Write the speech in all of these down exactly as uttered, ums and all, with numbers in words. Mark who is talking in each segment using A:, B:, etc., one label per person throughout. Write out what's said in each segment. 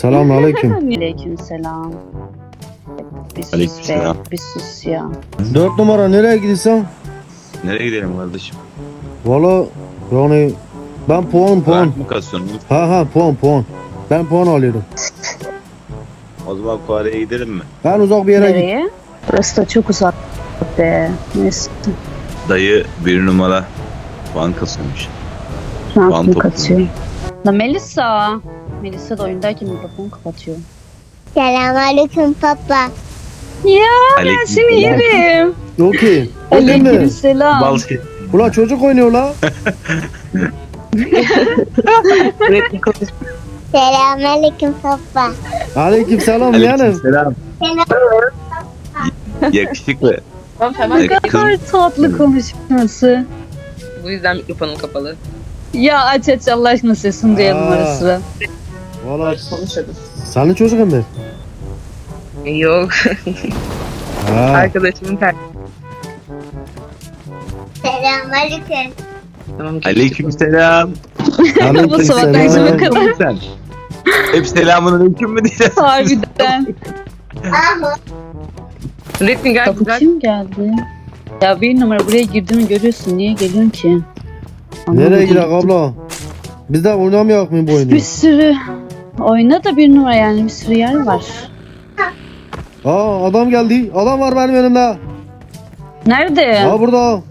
A: Selamünaleyküm.
B: Aleykümselam. Bir sus be,
C: Aleykümselam.
B: bir sus ya.
A: Dört numara nereye gidiyorsun?
C: Nereye gidelim kardeşim?
A: Valla yani ben puan puan.
C: Rank mı kasıyorsun?
A: Ha ha puan puan. Ben puan alıyorum.
C: O zaman Kore'ye gidelim mi?
A: Ben uzak bir yere git.
B: Nereye? Burası da çok uzak be. Neyse.
C: Dayı bir numara puan kasıyormuş.
B: Şu an
C: Puan
B: kim
C: topluyor.
B: katıyor? La Melisa. Melisa da oyundayken mikrofonu kapatıyor.
D: Selamünaleyküm papa.
B: Ya ben
C: Aleyküm
B: seni
C: selam.
B: yerim.
A: Okey. Okey mi?
B: Aleykümselam.
C: Bal şey.
A: Ulan çocuk oynuyor la.
D: Selamünaleyküm papa.
A: Aleyküm selam yani.
C: Selam. Yakışıklı.
E: Tamam tamam.
B: Ne kadar tatlı konuşması.
E: Bu yüzden mikrofonum kapalı.
B: Ya aç aç Allah aşkına sesini duyalım
A: Aa.
B: ara sıra.
A: Valla
E: Konuşalım.
A: senin çocuğun mu?
E: Yok.
A: Ha.
E: Arkadaşımın ter...
D: Selamünaleyküm.
E: Tamam.
C: Aleyküm selam.
B: Bu sabah akşama kadar.
C: Sen. Hep selamun aleyküm mü diyeceğiz?
B: Harbiden.
D: Ama
E: Ürettin gel
B: Kapı
E: güzel.
B: kim geldi? Ya bir numara buraya girdiğimi görüyorsun. Niye geliyorsun ki?
A: Nereye
B: Anlamadım.
A: gidelim abla? Biz de oynamayak mı bu oyunu?
B: Bir sürü oyna da bir numara yani bir sürü yer var.
A: Aa adam geldi. Adam var benim önümde.
B: Nerede?
A: Ha burada.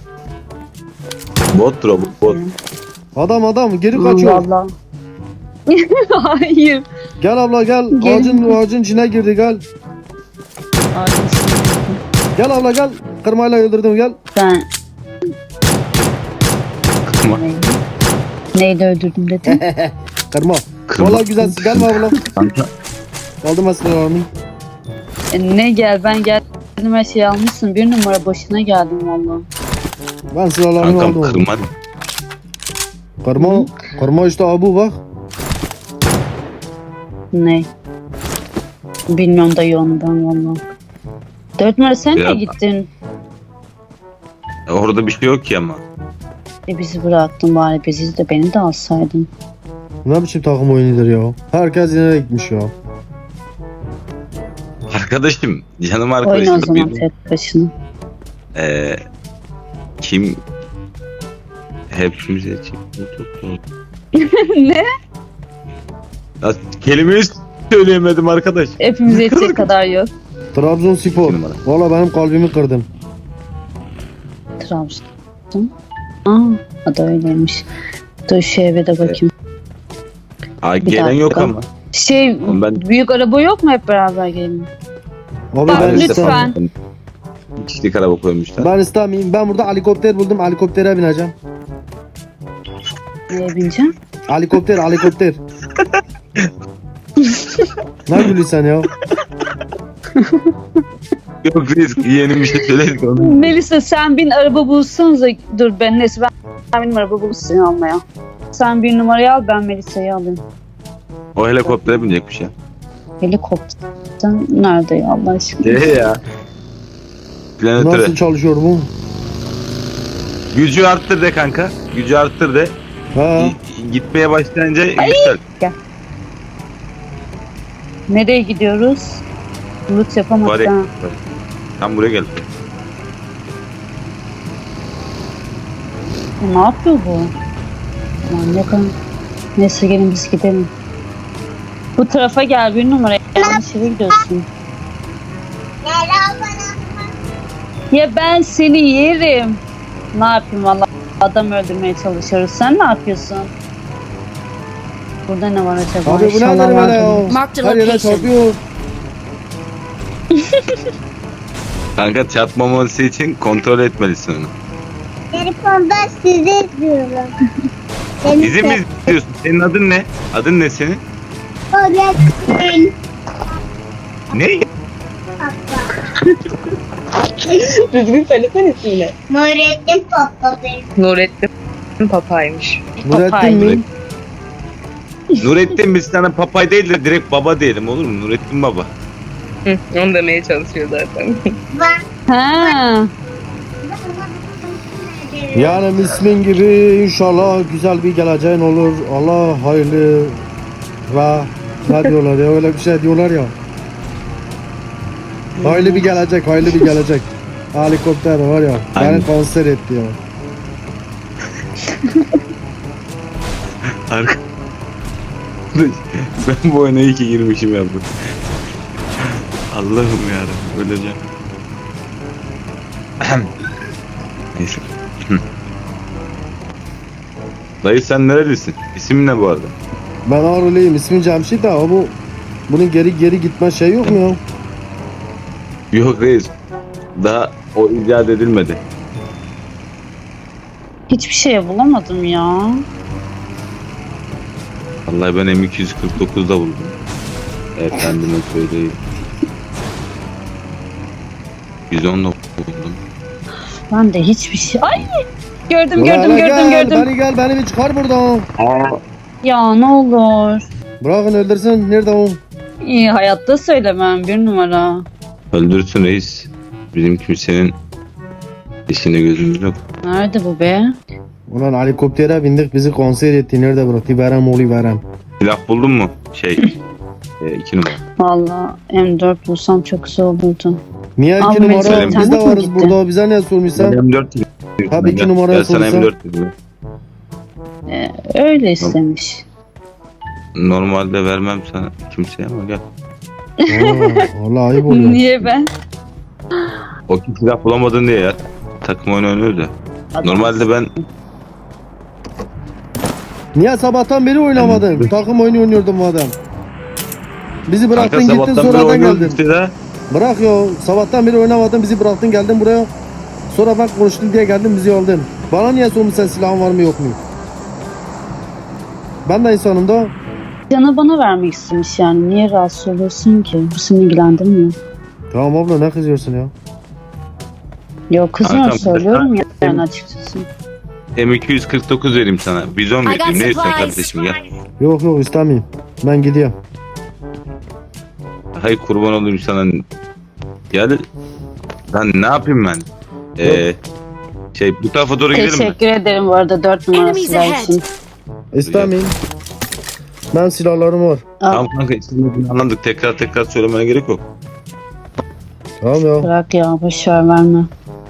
C: Bottur o bot.
A: Adam adam geri kaçıyor.
B: Vallahi. Hayır.
A: Gel abla gel.
B: Gel.
A: Ağacın ağacın içine girdi gel.
B: Ağzını
A: Gel abla gel. Kırmayla öldürdüm gel.
B: Ben
C: Kırma.
B: neydi öldürdüm dedim.
A: Kırma.
C: Kırma.
A: Valla güzelsin. Gelme abla.
C: Kanka.
A: Aldım aslanlarımı.
B: E, ne gel ben geldim her şeyi almışsın. Bir numara boşuna geldim valla.
A: Ben silahlarımı
C: Kankam
A: aldım.
C: kırma.
A: Kırma. Kırma işte abu bak.
B: Ne? Bilmiyorum dayı onu ben valla. Dört numara sen
C: Ya-
B: de gittin.
C: Orada bir şey yok ki ama.
B: E bizi bıraktın bari bizi de beni de alsaydın.
A: Ne biçim takım oyunudur ya. Herkes yine gitmiş ya.
C: Arkadaşım, canım
B: Oyna o
C: arkadaşım.
B: zaman
C: Bir,
B: tek başına.
C: Eee kim hepimize çıktı çok doğru.
B: Ne?
C: Ya, kelimeyi söyleyemedim arkadaş.
B: Hepimiz yetecek kadar yok.
A: Trabzonspor.
C: İki numara.
A: Valla benim kalbimi kırdın.
B: Trabzon. Aa, o da öyleymiş. Dur şu eve de bakayım.
C: Aa,
B: Bir
C: gelen yok
B: dakika.
C: ama.
B: Şey,
C: Oğlum ben-
B: büyük araba yok mu hep beraber gelin?
A: Abi
B: Bak,
A: ben
B: lütfen.
A: istemem.
C: Kişilik araba koymuşlar.
A: Ben istemeyeyim. Ben burada helikopter buldum. Helikoptere bineceğim.
B: Neye bineceğim?
A: Helikopter helikopter. Ne gülüyorsun sen ya?
C: Yok risk yeni bir şey söyledik onu.
B: Melisa sen bin araba bulsanıza. Dur ben neyse ben, ben benim araba bulup seni almaya. Sen bir numarayı al ben Melisa'yı alayım.
C: O helikoptere binecekmiş ya.
B: Helikopterden nerede ya Allah aşkına?
C: Ee ya. Planetare.
A: Nasıl çalışıyor bu?
C: Gücü arttır de kanka. Gücü arttır de.
A: Ha.
C: G- Gitmeye başlayınca yüksel.
B: Nereye gidiyoruz? Loot yapamadık
C: Bari.
B: ha.
C: Tam buraya gel.
B: E, ne yapıyor bu? Aman ne kadar... Neyse gelin biz gidelim. Bu tarafa gel bir numara. Yanlış yere gidiyorsun.
D: merhaba.
B: Ya ben seni yerim. Ne yapayım valla adam öldürmeye çalışıyoruz. Sen ne yapıyorsun? Burada ne var acaba?
A: Abi bu
B: İnşallah
A: nedir böyle
B: vardır.
A: ya?
E: Mark the
A: Her yere
E: location.
A: çarpıyor.
C: Kanka çarpmaması için kontrol etmelisin onu.
D: Telefonda sizi izliyorum. Beni
C: Bizi mi izliyorsun? Senin adın ne? Adın ne senin?
D: Öğretmen
C: Ne?
E: Düzgün söylesene ismini.
D: Nurettin papa benim.
E: Nurettin Papa'ymış.
A: Nurettin mi?
C: Nurettin biz sana papay değil de direkt baba diyelim olur mu? Nurettin baba.
E: Hı, onu demeye çalışıyor zaten.
D: Ben
B: Ha.
A: Yani ismin gibi inşallah güzel bir geleceğin olur. Allah hayırlı ve Ne diyorlar ya, öyle bir şey diyorlar ya. Hayırlı bir gelecek, hayırlı bir gelecek. Helikopter var ya, beni
C: Aynen.
A: konser etti ya.
C: Arka... Ben bu oyuna iyi ki girmişim ya bu. Allah'ım yarabbim öleceğim. Neyse. Dayı sen nerelisin? İsim ne bu arada?
A: Ben Ağrılıyım, ismim Cemşit de ama bu bunun geri geri gitme şey yok mu ya?
C: Yok reis. Daha o icat edilmedi.
B: Hiçbir şey bulamadım ya.
C: Vallahi ben M iki yüz kırk dokuzda buldum. Efendime söyleyeyim. yüz onla buldum.
B: Ben de hiçbir şey... Ay! Gördüm,
A: Ulan
B: gördüm,
A: hele
B: gördüm,
A: gel,
B: gördüm.
A: Beni gel, beni bir çıkar buradan.
B: Ya ne olur.
A: Bırakın öldürsün, nerede o?
B: İyi, hayatta söylemem bir numara.
C: Öldürsün reis. Bizim kimsenin işine gözümüz yok.
B: Nerede bu be?
A: Ulan helikoptere bindik, bizi konser etti, nerede bıraktı? Verem oğlu verem.
C: Silah buldun mu? Şey. e, iki numara.
B: Valla M dört bulsam çok güzel olurdu.
A: Niye
B: Abi
A: iki numara?
C: mesela
A: Biz
B: internet
A: de
B: mi
A: varız
B: gitti?
A: burada, bize ne sormuşsan?
C: M dört dedim.
A: Tabii iki
C: Gel,
A: numaraya
C: gel sana
A: sorsan.
C: M dört dedim.
B: Ee, öyle istemiş.
C: Normalde vermem sana kimseye ama gel.
A: Aa, vallahi ayıp oluyor.
B: Niye ben?
C: O kim silah bulamadın diye ya. Takım oyunu oynuyoruz ya. Normalde ben
A: Niye sabahtan beri oynamadın? Takım oyunu oynuyordun madem. Bizi bıraktın
C: kanka
A: gittin
C: sabahtan beri
A: sonradan
C: oynuyoruz
A: geldin.
C: işte de.
A: Bırak ya, sabahtan beri oynamadın, bizi bıraktın geldin buraya. Sonra ben konuştum diye geldin bizi aldın. Bana niye sormuş sen silahın var mı yok mu? Ben de insanım da.
B: Canı bana vermek istemiş yani. Niye rahatsız oluyorsun ki? Bu seni ilgilendirmiyor.
A: Tamam abla, ne kızıyorsun ya?
B: Yok kızmıyorum,
C: Kankam,
B: söylüyorum ya
C: ben-
B: yani açıkçası.
C: M iki yüz kırk dokuz vereyim sana. Bizon
F: I got
C: vereyim. Ne istiyorsun
F: supplies.
C: kardeşim gel.
A: Yok yok istemeyeyim. Ben gidiyorum.
C: Hay kurban olayım sana. Gel. Lan ne yapayım ben? Ee, şey bu tarafa doğru gidelim mi?
B: Teşekkür ederim bu arada dört numara
F: Enemies
B: silah
F: ahead.
B: için.
A: İstemeyeyim. Ben silahlarım var.
B: Al,
C: Tamam kanka istemediğini anladık. Tekrar tekrar söylemene gerek yok.
A: Tamam ya.
B: bırak ya, boşver verme.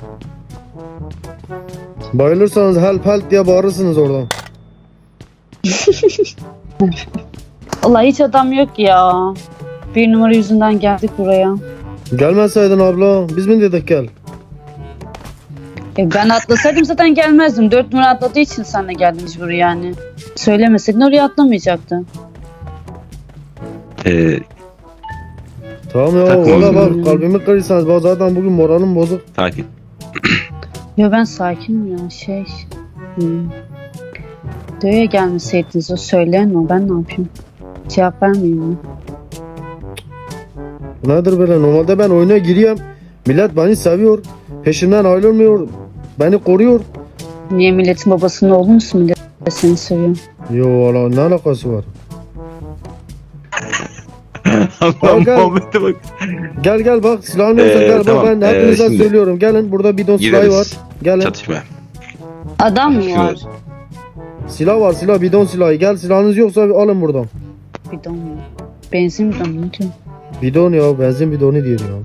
A: Bayılırsanız help help diye bağırırsınız oradan.
B: Allah hiç adam yok ya. Bir numara yüzünden geldik buraya.
A: Gelmeseydin abla, biz mi dedik gel?
B: E ben atlasaydım zaten gelmezdim. Dört numara atladığı için sen de geldin mecbur yani. Söylemeseydin oraya atlamayacaktı.
C: Ee,
A: Tamam ya,
C: Takım
A: valla
C: oyunu.
A: bak kalbimi kırırsanız bak zaten bugün moralim bozuk.
C: sakin.
B: Yo ben sakinim ya şey. Hmm. Döye gelmeseydiniz o söyleyen o, ben ne yapayım? Cevap vermeyeyim mi?
A: Nedir böyle, normalde ben oyuna giriyorum. Millet beni seviyor. Peşimden ayrılmıyor. Beni koruyor.
B: Niye milletin babasının oğlu musun, millet seni seviyor?
A: Yo valla ne alakası var?
C: Allah'ım
A: gel.
C: Muhammed'e bak.
A: Gel gel bak silahın yoksa
C: Ee,
A: gel
C: tamam,
A: bak ben
C: ee,
A: hepinize
C: şimdi-
A: söylüyorum. Gelin burada bidon silahı var.
C: Gideriz.
A: Gelin.
C: Çatışma.
B: Adam mı var?
C: Şurada.
A: Silah var, silah, bidon silahı. Gel, silahınız yoksa alın buradan.
B: Bidon mu? Benzin bidon mu diyor?
A: Bidon ya, benzin bidonu diyor ya.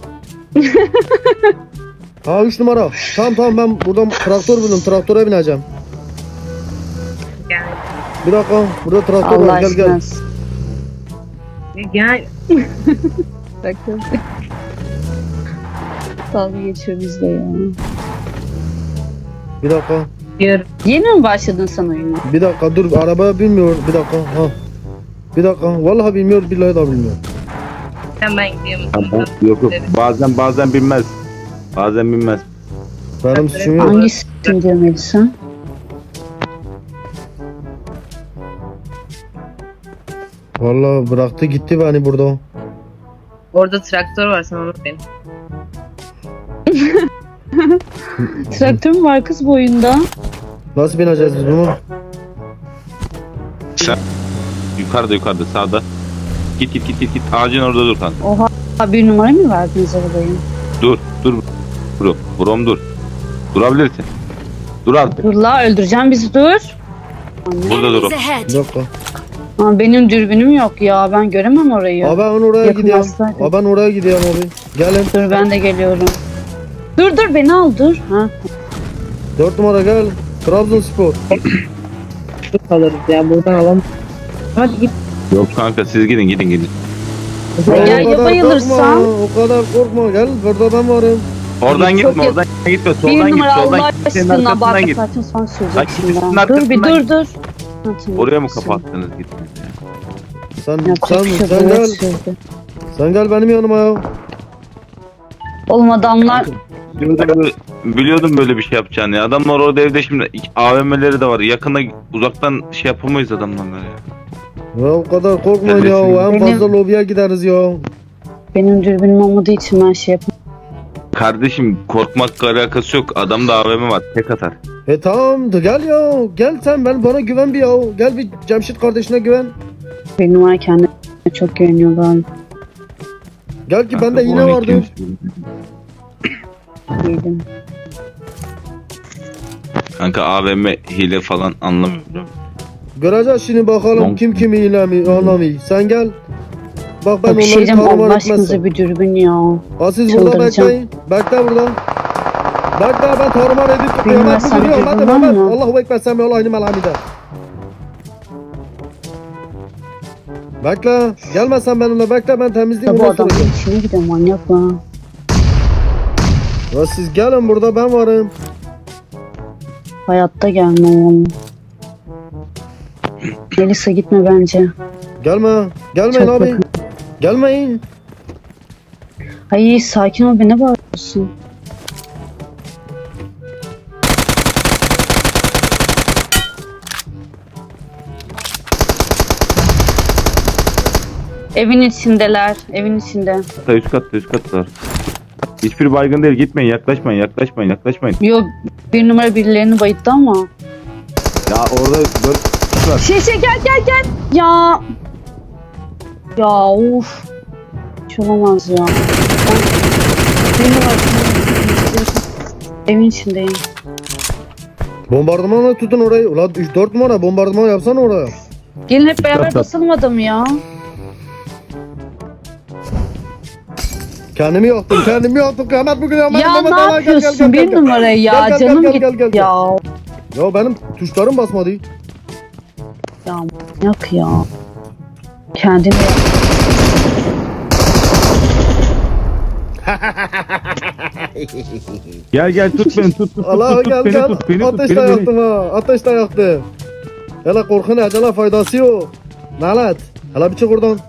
A: Ha üç numara. Tamam tamam ben buradan traktör buldum. Traktöre bineceğim.
E: Gel.
A: Bir dakika. Burada traktör
B: Allah
A: var. Gel gel.
B: aşkına.
E: Gel.
B: Dalga geçiyor bizde ya.
A: Bir dakika.
E: Yürü.
B: Yeni mi başladın sen oyuna?
A: Bir dakika dur. Arabaya binmiyor. Bir dakika. Ha. Bir dakika. Vallahi bilmiyor. Billahi da bilmiyor.
E: Hemen gidiyorum.
C: Tamam, yok yok. Bazen bazen bilmez. Bazen bilmez.
A: Benim suçum yok.
B: Hangisi diyor Melisa?
A: Vallahi bıraktı gitti beni burada.
E: Orada traktör var, sen onu bin.
B: Traktör mü var kız bu oyunda?
A: Nasıl bineceğiz biz bunu?
C: Sen yukarıda yukarıda sağda. Git git git git git. Ağacın orada dur kanka.
B: Oha, bir numara mı verdiniz arabayı?
C: Dur dur. Dur. Brom dur. Durabilirsin. Dur artık.
B: Dur la, öldüreceğim bizi, dur.
C: Burada dur.
F: Enemies ahead.
A: Bir dakika.
B: Ama benim dürbünüm yok ya. Ben göremem orayı.
A: Abi ben oraya
B: Yakın
A: gidiyorum.
B: hastaydı.
A: Abi ben oraya gidiyorum abi. Gelin.
B: Dur ben de geliyorum. Dur dur beni al dur. Ha.
A: Dört numara gel. Trabzonspor.
E: Dur kalırız ya buradan alalım. Hadi git.
C: Yok kanka siz gidin gidin gidin.
B: Ya,
A: o
B: ya
A: kadar
B: bayılırsan?
A: korkma, o kadar korkma. Gel burada ben varım.
C: Oradan
B: Çok
C: gitme
B: yak-
C: oradan gitme
B: Bir
C: soldan git
B: numara
C: soldan
B: Allah
C: git. Senin
B: aşkına bak
C: arkasından git.
B: zaten son
C: Bak,
B: söyleyeceksin
C: ikisinin
B: ya. Dur bir
C: arkasından
B: dur dur. Ha, tamam.
C: Oraya mı kapattınız gittiniz ya?
A: Sen
B: Yapacak
A: sen
B: bir şey
A: sen
B: yok,
A: gel.
B: sürdü.
A: Sen gel benim yanıma ya.
B: Oğlum adamlar
C: Biliyordum böyle, biliyordum böyle bir şey yapacağını ya. Adamlar orada evde şimdi A V M'leri de var. Yakına uzaktan şey yapamayız adamlarla ya.
A: Ya o kadar korkmayın
C: Kardeşim,
A: ya. En
B: benim-
A: fazla lobiye gideriz ya.
B: benim dürbünüm olmadığı için ben şey yapamam.
C: Kardeşim korkmakla alakası yok. Adamda A V M var. Tek atar.
A: E tamam da gel ya. Gel sen ben bana güven bir ya. Gel bir Cemşit kardeşine güven.
B: Bir numara kendine çok güveniyor galiba.
A: Gel ki
C: Kanka,
A: bende
C: bu
A: yine
C: on iki
A: vardı.
C: ymiş.
B: Değilim.
C: Kanka A V M hile falan anlamıyorum.
A: Göreceğiz şimdi bakalım
C: Long-
A: kim kimi ilemi anlamıyor. Sen gel. Bak ben
B: Bak bir şey
A: onları
B: diyeceğim Allah
A: tarumar
B: aşkınıza
A: etmezsem.
B: bir dürbün ya.
A: Ha siz burada
B: Çıldıracağım.
A: bekleyin. Bekle burada. Bekle ben tarumar edip
B: Bilmem
A: Mehmet
B: sen
A: bugün yok.
B: dürbün
A: Hadi
B: var
A: Mehmet.
B: mı?
A: Allahu Ekber sen ve Allah'ını melhamide. Bekle. Gelmezsen benimle bekle ben temizleyeyim
B: Ya bu
A: ondan
B: adamın
A: sonra.
B: içine gidiyor manyak lan.
A: Ya siz gelin burada ben varım.
B: Hayatta gelme oğlum. Melisa gitme bence.
A: Gelme. Gelmeyin
B: Çok
A: abi.
B: yakın.
A: Gelmeyin.
B: Ay sakin ol beni bağırıyorsun. Evin içindeler. Evin içinde.
C: Hatta üst katta üst katta var. Hiçbir baygın değil. Gitmeyin yaklaşmayın yaklaşmayın yaklaşmayın.
B: Yo bir numara birilerini bayıttı ama.
C: Ya orada böyle var.
B: Şey şey gel gel gel. Ya. Ya uf. Hiç olamaz ya. Ben... Bir numara. Evin içindeyim.
A: Bombardımanla tutun orayı. Ulan üç dört numara bombardıman yapsana oraya.
B: Gelin hep beraber basalım adamı ya.
A: Kendimi yaktım, kendimi yaktım. Kıyamet bugün ya.
B: Ya ne yapıyorsun bir numara ya
A: Gel, gel,
B: canım
A: gel,
B: git
A: gel, gel, gel.
B: ya.
A: Ya benim tuşlarım basmadı.
B: Ya yak ya. Kendini
C: Gel gel tut beni tut tut tut,
A: Allah
C: tut,
A: gel
C: beni
A: gel.
C: tut beni tut
A: Ateşle
C: beni beni.
A: yaktım ha. Ateşle yaktım. Hele korkun ecele faydası yok. Nalet. Hele bir çık oradan.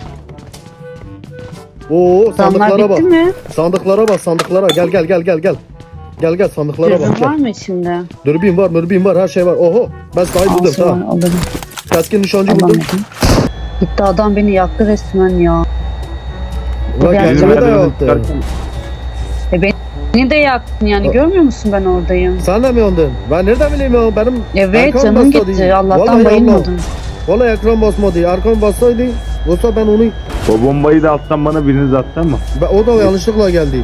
A: Oo
B: adamlar
A: sandıklara bak.
B: bitti mi?
A: Sandıklara bak sandıklara. Gel gel gel gel gel. Gel gel sandıklara bak.
B: Dürbün
A: Gel.
B: var mı içinde?
A: Dürbün var, mürbün var, her şey var. Oho. Ben sahibi buldum
B: Ağzı var
A: tamam.
B: alırım.
A: Keskin nişancı buldum.
B: Alamadım. Gitti adam beni yaktı resmen ya.
A: Ulan
B: Gerçekten.
A: kendimi de
C: Merdivenden
A: yaktı.
C: çıkarken-
B: E beni de yaktın yani
A: A-
B: görmüyor musun ben oradayım?
A: Sen de mi yandın? Ben nereden bileyim ya? Benim
B: Evet
A: arkam
B: canım
A: basmadı.
B: gitti Allah'tan
A: Vallahi
B: bayılmadım.
A: Vallahi ekran basmadı. Arkam bassaydı yoksa ben onu
C: O bombayı da alttan bana biriniz attı ama.
A: ben, o da yanlışlıkla geldi.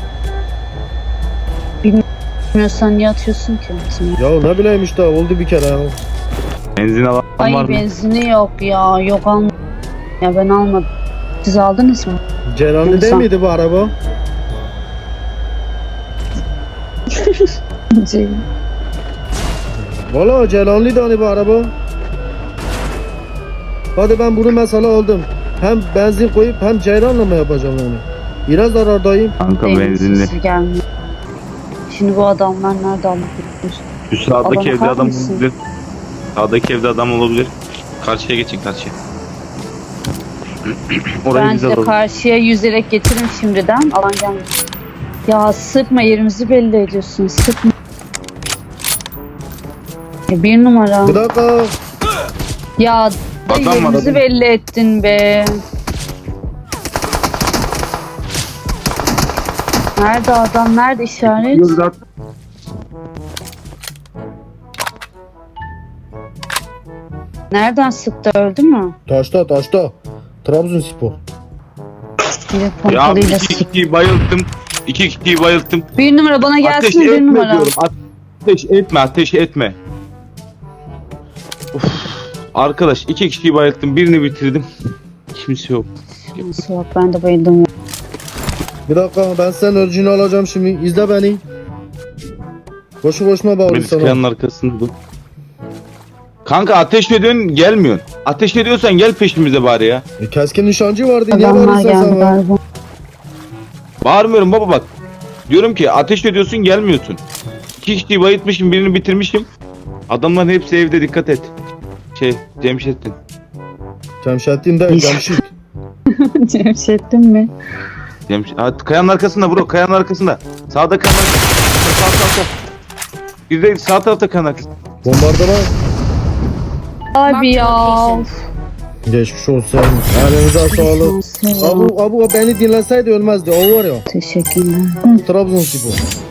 B: Bilmiyorsan niye atıyorsun ki?
A: Ya ne bileyim işte oldu bir kere ya.
C: Benzin alan
B: Ay
C: var mı?
B: benzini yok ya yok almadım. Ya ben almadım. Siz aldınız mı?
A: Celal'de değil
B: İnsan.
A: miydi bu araba?
B: Şey,
A: Valla Celal'liydi hani bu araba. Hadi ben bunu mesela aldım. Hem benzin koyup hem ceyranla mı yapacağım yani? Biraz zarardayım.
C: Kanka
B: Benim
C: benzinli.
B: sesi gelmiyor. Şimdi bu adamlar nerede alabilir?
C: Şu sağdaki
B: Alana
C: evde
B: bakar
C: adam
B: mısın?
C: olabilir. Sağdaki evde adam olabilir. Karşıya geçin karşıya. Orayı biz
B: Bence de
C: alalım.
B: karşıya yüzerek getirin şimdiden. Alan gelmiyor. Ya sıkma yerimizi belli ediyorsun. Sıkma. Ya bir numara.
A: Bir dakika.
B: Ya da
C: Adam var,
B: yerimizi
C: adam.
B: belli ettin be. Nerede adam? Nerede işaret?
C: Yürü lan.
B: Nereden sıktı? Öldü mü?
A: Taşta taşta. Trabzonspor.
B: Bir de
C: Ya
B: pompalıyla
C: iki
B: sıktı.
C: kişiyi bayılttım. İki kişiyi bayılttım.
B: Bir numara bana
C: Ateş
B: gelsin bir
C: etme
B: numara.
C: diyorum. Ateş etme ateş etme. Uf. Arkadaş iki kişiyi bayılttım. Birini bitirdim. Kimse yok.
B: Nasıl yok ben de bayıldım ya.
A: Bir dakika ben senin örgünü alacağım şimdi. İzle beni. Boşu boşuna bağırıyor
C: Birisi
A: sana.
C: kayanın arkasında dur. Kanka ateş ediyorsun gelmiyorsun. Ateş ediyorsan gel peşimize bari ya.
A: E, keskin nişancı vardı. Niye
B: Adamlar
A: bağırıyorsun
B: geldi
A: sen bana?
B: galiba.
C: Bağırmıyorum baba bak. Diyorum ki ateş ediyorsun gelmiyorsun. İki kişiyi bayıltmışım birini bitirmişim. Adamların hepsi evde dikkat et. Şey Cemşettin.
A: Cemşettin de Cemşit.
B: Cemşettin mi?
C: Cemşet. Ha, kayanın arkasında bro kayanın arkasında. Sağda kayanın arkasında. Sağ sağ sağ. Bir de sağ tarafta kayanın arkasında.
A: Bombardıman.
B: Abi ya.
A: Geçmiş olsun. Elinize sağlık. Abu, Abu beni dinleseydi ölmezdi. O var ya.
B: Teşekkürler.
A: Trabzonspor.